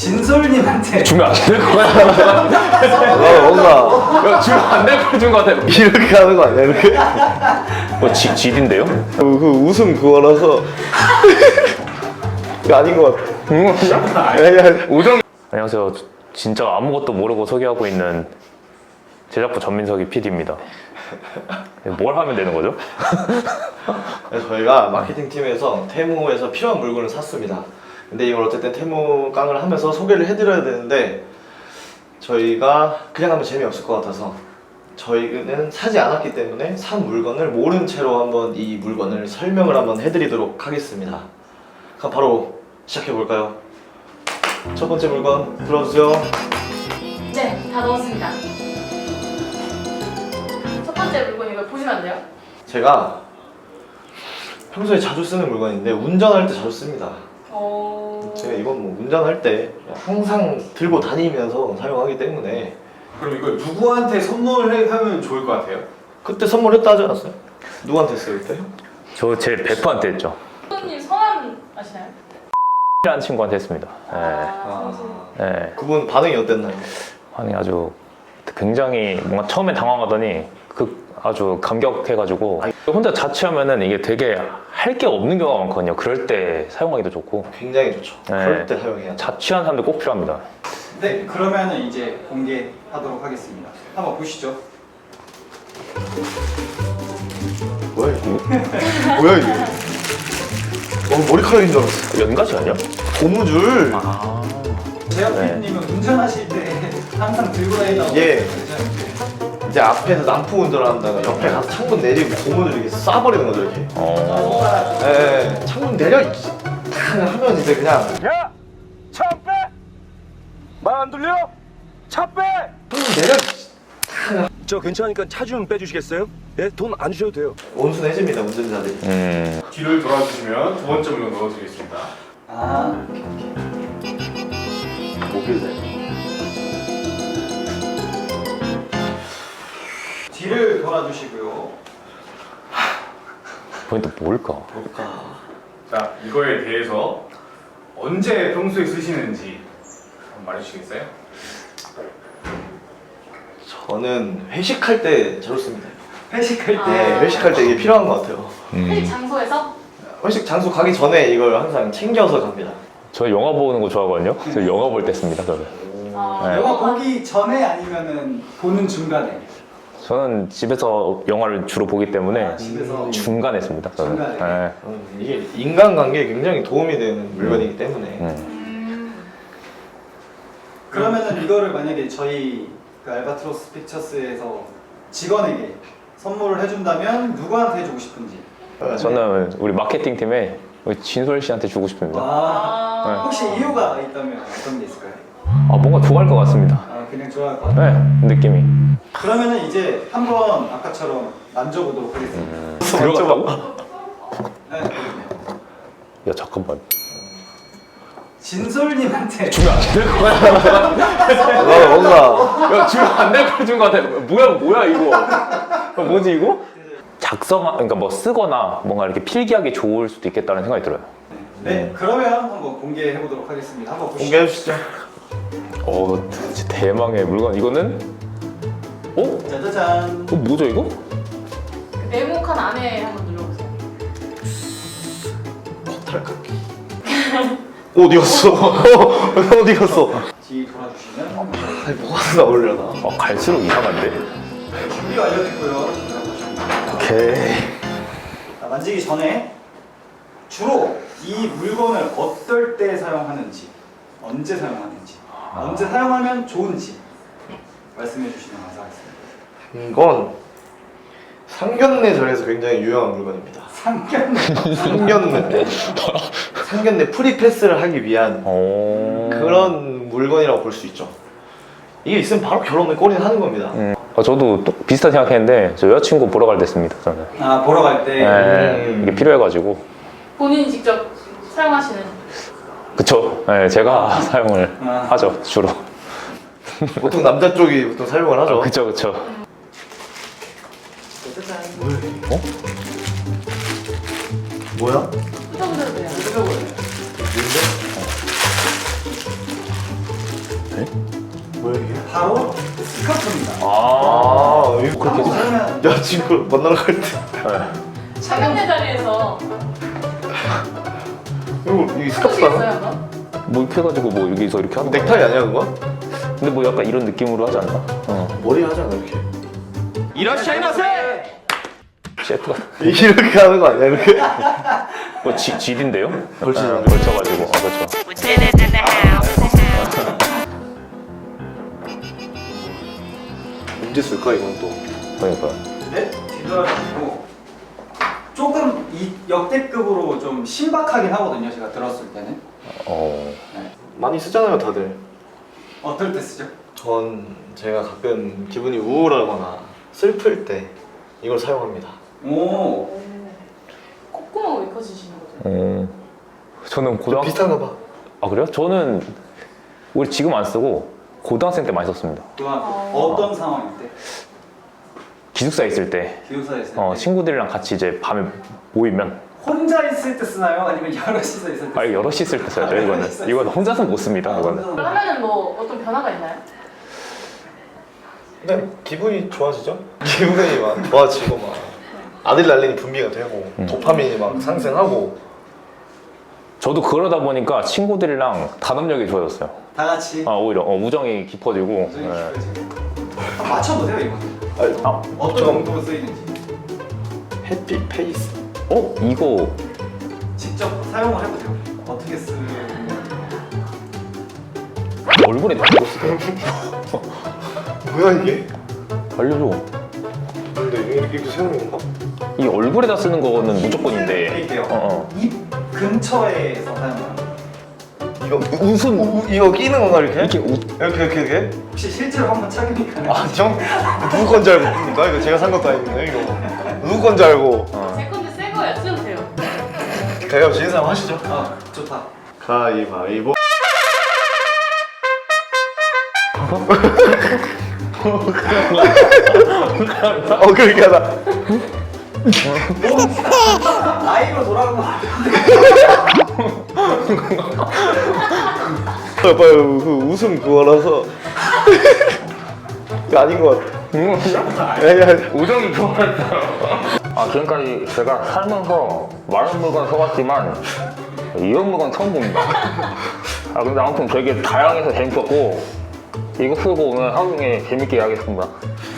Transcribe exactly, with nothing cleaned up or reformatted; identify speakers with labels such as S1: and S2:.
S1: 진솔님한테
S2: 주면 안 될 것 같아.
S3: 어, 뭔가
S2: 야, 주면 안 될 걸 준 것 같아.
S3: 이렇게 하는 거 아니야 이렇게?
S2: 뭐 지, 지딘데요?
S3: 그, 그 웃음 그거라서 이거 아닌 것 같아.
S2: 응?
S3: 아니, 아니.
S2: 우정. 안녕하세요. 진짜 아무것도 모르고 소개하고 있는 제작부 전민석이 피디입니다. 뭘 하면 되는 거죠?
S3: 그래서 저희가 마케팅 팀에서 테무에서 필요한 물건을 샀습니다. 근데 이걸 어쨌든 테무 깡을 하면서 소개를 해드려야 되는데 저희가 그냥 하면 재미없을 것 같아서 저희는 사지 않았기 때문에 산 물건을 모른 채로 한번 이 물건을 설명을 한번 해드리도록 하겠습니다. 그럼 바로 시작해 볼까요? 첫 번째 물건 들어주세요.
S4: 네, 다 넣었습니다. 첫 번째 물건 이거 보시면 안 돼요?
S3: 제가 평소에 자주 쓰는 물건인데 운전할 때 자주 씁니다.
S4: 어...
S3: 제가 이건 뭐 운전할 때 항상 들고 다니면서 사용하기 때문에.
S1: 그럼 이걸 누구한테 선물하면 좋을 것 같아요?
S3: 그때 선물했다 하지 않았어요? 누구한테 했어요 그때?
S2: 저 제 베프한테 했죠.
S4: 선생님 성함 아시나요?
S2: 라는 친구한테 했습니다. 네.
S4: 아, 선수.
S2: 네.
S3: 그분 반응이 어땠나요?
S2: 아니 아주 굉장히 뭔가 처음에 당황하더니 그 아주 감격해가지고 혼자 자취하면은 이게 되게 할 게 없는 경우가 많거든요. 그럴 때 사용하기도 좋고
S3: 굉장히 좋죠.
S2: 네.
S3: 그럴 때 사용해야 돼.
S2: 자취하는 사람들 꼭 필요합니다.
S1: 네, 그러면은 이제 공개하도록 하겠습니다. 한번 보시죠.
S3: 뭐야 이거? 뭐야 이게? 어, 머리카락인 줄 알았어.
S2: 연가시 아니야?
S3: 고무줄.
S2: 아.
S1: 재현
S2: 네.
S1: 피디님은 운전하실 때 항상 들고 다닌다고
S3: 예.
S1: 그러셨는데
S3: 이제 앞에서 난폭 운전한다가 옆에 가서 창문 내리고 고무줄 이렇게 쏴버리는 거죠 이렇게.
S2: 어.
S3: 예, 예. 창문 내려 이 하면 이제 그냥
S5: 야! 차 빼! 말 안 들려? 차 빼!
S3: 창문 내려
S5: 저 괜찮으니까 차 좀 빼주시겠어요? 예? 돈 안 주셔도 돼요.
S3: 온순해집니다 운전자들이.
S2: 음.
S6: 뒤를 돌아주시면 두 번째 물건 넣어드리겠습니다.
S1: 아,
S3: 모빌대.
S1: 뒤를 돌아주시고요.
S2: 포인트 뭘까?
S3: 뭘까?
S6: 자, 이거에 대해서 언제 평소에 쓰시는지 한번 말해주시겠어요?
S3: 저는 회식할 때 자주 씁니다.
S1: 회식할 때
S3: 네, 회식할 때 이게 필요한 것 같아요.
S4: 회식 장소에서?
S3: 회식 장소 가기 전에 이걸 항상 챙겨서 갑니다.
S2: 저 영화 보는 거 좋아하거든요. 저 영화 볼 때 씁니다. 저는.
S4: 아,
S2: 네.
S1: 영화 보기 전에 아니면은 보는 중간에?
S2: 저는 집에서 영화를 주로 보기 때문에
S1: 아, 집에서
S2: 중간에 씁니다. 저는.
S1: 중간에.
S2: 네.
S3: 음, 이게 인간관계에 굉장히 도움이 되는 물건이기 때문에.
S2: 음.
S4: 음...
S1: 그러면은 이거를 만약에 저희 그 알바트로스 픽처스에서 직원에게 선물을 해준다면 누구한테 해주고 싶은지?
S2: 저는 우리 마케팅 팀에 우리 진솔 씨한테 주고 싶습니다.
S1: 아,
S4: 아...
S1: 혹시 이유가 있다면 어떤 게 있을까요?
S2: 아, 뭔가 좋아할 것 같습니다.
S1: 아, 그냥 좋아할 것 같아요.
S2: 네, 느낌이.
S1: 그러면은 이제 한번 아까처럼 만져보도록 하겠습니다.
S2: 음, 들어갔다고?
S1: 네.
S2: 야, 잠깐만.
S1: 진솔님한테
S2: 주면 안 될 것 같아.
S3: 뭔가 뭔가
S2: 야, 주면 안 될 걸 준 것 같아. 뭐야, 뭐야, 이거. 어, 뭐지, 이거? 작성, 그러니까 뭐 쓰거나 뭔가 이렇게 필기하기 좋을 수도 있겠다는 생각이 들어요.
S1: 네, 그러면 한번 공개해 보도록 하겠습니다. 한번 보시죠.
S3: 공개해 주시죠.
S2: 어, 진짜 대망의 물건. 이거는? 어?
S1: 짜자잔.
S2: 어, 뭐죠, 이거?
S4: 그 네모칸 안에 한번 눌러보세요.
S3: 탈깎기. 어디 갔어? 어디 갔어?
S1: 뒤 돌아주시면
S3: 아니 뭐가 나오려나?
S2: 어, 갈수록 이상한데?
S1: 준비 완료됐고요. 들어보시면
S2: 오케이.
S1: 자, 만지기 전에 주로 이 물건을 어떨 때 사용하는지, 언제 사용하는지, 언제 사용하면 좋은지 말씀해 주시면 감사하겠습니다.
S3: 이건 상견례절에서 굉장히 유용한 물건입니다.
S1: 상견례.
S3: 상견례. 상견례 프리패스를 하기 위한
S2: 오.
S3: 그런 물건이라고 볼 수 있죠. 이게 있으면 바로 결혼을 꼬리는 하는 겁니다.
S2: 음. 어, 저도 또 비슷한 생각했는데, 저 여자친구 보러 갈 때 씁니다, 저는.
S1: 아, 보러 갈 때.
S2: 네,
S3: 음.
S2: 이게 필요해가지고.
S4: 본인이 직접 사용하시는
S2: 그쵸. 네, 제가 사용을
S1: 아.
S2: 하죠, 주로.
S3: 보통 남자 쪽이 보통 사용을 하죠.
S2: 그쵸, 그쵸.
S1: 짜잔.
S3: 어? 뭐야?
S4: 뜯어보셔도 돼요.
S1: 뜯어보세요.
S3: 뭐야 이게?
S1: 바로 스카프입니다.
S2: 아,
S3: 아 이거
S1: 그렇게 하면
S3: 여자친구 만나러 갈 때.
S4: 상견례 자리에서
S3: 이거 이게
S4: 해보시겠어요
S3: 스카프다.
S4: 한번?
S2: 뭐 이렇게 해가지고 뭐 여기서 이렇게 하는 거.
S3: 넥타이 아니야 그거?
S2: 근데 뭐 약간 이런 느낌으로 하지 않나? 어.
S3: 머리 하잖아 이렇게.
S5: 이라시아이마세!
S2: 셰프가
S3: 이렇게 하는 거 아니야 이렇게?
S2: 뭐 지, 질인데요?
S3: 걸치죠.
S2: 어, 걸쳐가지고. 아, 그렇죠.
S3: 언제 쓸까 이건 또?
S2: 그러니까요.
S1: 네, 뒤돌아가지고 조금 이 역대급으로 좀 신박하긴 하거든요. 제가 들었을 때는.
S2: 어.
S1: 네.
S3: 많이 쓰잖아요 다들.
S1: 어떨 때 쓰죠?
S3: 전 제가 가끔 기분이 우울하거나 슬플 때 이걸 사용합니다.
S1: 오,
S4: 콧구멍 왜 커지시는 거죠?
S2: 어. 저는 고등학
S3: 비슷한가 봐.
S2: 아 그래요? 저는 우리 지금 안 쓰고 고등학생 때 많이 썼습니다.
S1: 고등학교
S4: 어.
S1: 어떤 상황일 때?
S2: 기숙사에 있을 때
S1: 기숙사에 있을 때?
S2: 어, 친구들이랑 같이 이제 밤에 모이면
S1: 혼자 있을 때 쓰나요? 아니면 여럿이서 있을 때?
S2: 아 여럿이 있을 때 써야 돼요 이거는. 이건 혼자서 못 씁니다 이거는.
S4: 그걸 하면은 뭐 어떤 변화가 있나요?
S3: 그냥 기분이 좋아지죠? 기분이 막 좋아지고 막 아드레날린이 분비가 되고
S2: 음.
S3: 도파민이 막 상승하고.
S2: 저도 그러다 보니까 친구들이랑 단합력이 좋아졌어요.
S1: 다 같이
S2: 아 오히려 어, 우정이 깊어지고.
S1: 나중에
S2: 예.
S1: 깊어지고. 한번 맞춰보세요 이거는.
S3: 아니,
S2: 아,
S1: 어떤
S3: 잠깐만.
S1: 용도로 쓰이는지
S3: 해피 페이스.
S2: 어 이거
S1: 직접 사용을 해보세요. 어떻게 쓰는?
S2: 얼굴에 대고 쓰세요.
S3: 뭐야 이게?
S2: 알려줘.
S3: 근데 이렇게, 이렇게 세우는 건가?
S2: 이 얼굴에다 쓰는 거는 무조건인데.
S1: 드릴게요.
S2: 어, 어.
S1: 입 근처에서 사용하는 거.
S3: 이거 웃음 우, 이거 끼는 건가 이렇게?
S2: 이렇게 우,
S3: 이렇게 이렇게 이렇게?
S1: 혹시 실제로 한번 착용이 가능해요?
S3: 아 정? 누구 건지 알고 봅니까? 이거 제가 산 것도 아닌데 이거 누구 건지 알고.
S2: 어.
S4: 제 건데 새 거예요. 쓰면 돼요.
S3: 가위바위보 지는 사람 하시죠.
S1: 아, 좋다.
S3: 가위바위보. 어 그렇게 하다.
S1: 나이로 돌아가고
S3: 빨리 그 웃음 그거라서 그거 아닌 것 같아. 아니 아니.
S2: 우정이 좋아졌어요. 아 지금까지 제가 살면서 많은 물건 써봤지만 이런 물건 처음 봅니다. 아 근데 아무튼 되게 다양해서 재밌었고 이거 쓰고 오늘 하루 종일 재밌게 하겠습니다.